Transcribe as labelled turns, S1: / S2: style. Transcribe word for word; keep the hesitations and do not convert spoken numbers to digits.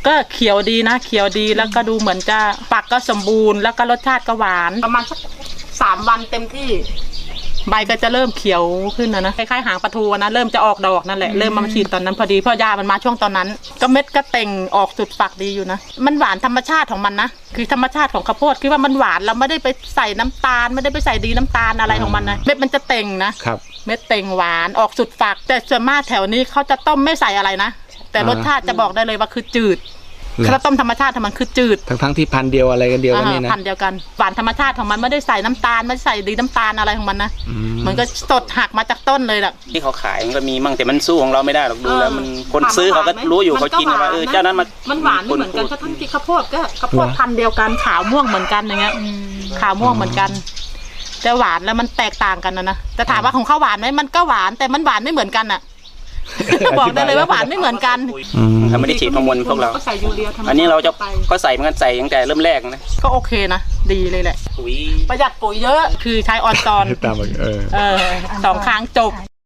S1: ก็เขียวดีนะเขียวดีแล้วก็ดูเหมือนจะฝักก็สมบูรณ์แล้วก็รสชาติก็หวานประมาณสักสามวันเต็มที่ใบก็จะเริ่มเขียวขึ้นนะนะคล้ายๆหางปลาทูนะเริ่มจะออกดอกนั่นแหละเริ่มมาฉีดตอนนั้นพอดีเพราะยามันมาช่วงตอนนั้นก็เม็ดก็เต่งออกสุดฝักดีอยู่นะมันหวานธรรมชาติของมันนะคือธรรมชาติของข้าวโพดคือว่ามันหวานเราไม่ได้ไปใส่น้ำตาลไม่ได้ไปใส่ดีน้ำตาลอะไรของมันนะเม็ดมันจะเต่งนะครับเม็ดเต่งหวานออกสุดฝักแต่ส่วนมากแถวนี้เขาจะต้มไม่ใส่อะไรนะแต่รสชาติจะบอกได้เลยว่าคือจืดข้าวต้มธรรมชาติของมันคือจืด
S2: ทั้งทั้งที่พันเดียวอะไรกันเดียวกันนี่นะ
S1: พันเดียวกันหวานธรรมชาติของมันไม่ได้ใส่น้ำตาลไม่ได้ใส่ดีน้ำตาลอะไรของมันนะมันก็สดหักมาจากต้นเลยแหละ
S3: ที่เขาขายมันก็มีมั่งแต่มันสู้ของเราไม่ได้หรอกดูแล้วมันคนซื้อเขาก็รู้อยู่เขากินว่าเออเจ้านั้นมัน
S1: มันหวานไม่เหมือนกันถ้าทั้งที่ข้าวโพดก็ข้าวโพดพันเดียวกันขาวม่วงเหมือนกันอย่างเงี้ยขาวม่วงเหมือนกันแต่หวานแล้วมันแตกต่างกันนะนะแต่ถามว่าของข้าวหวานไหมมันก็หวานแต่มันหวานไม่เหมือนกันอ่ะบอกได้เลยว่าหวานไม่เหมือนกัน
S3: เขาไม่ได้ฉีดฮอร์โมนพวกเราอันนี้เราจะก็ใส่เหมือนกันใส่ตั้งแต่เริ่มแรกนะ
S1: ก็โอเคนะดีเลยแหละประหยัดปุ๋ยเยอะคือใช้ออนซอน
S2: ตามเออ
S1: เออสองครั้งจบ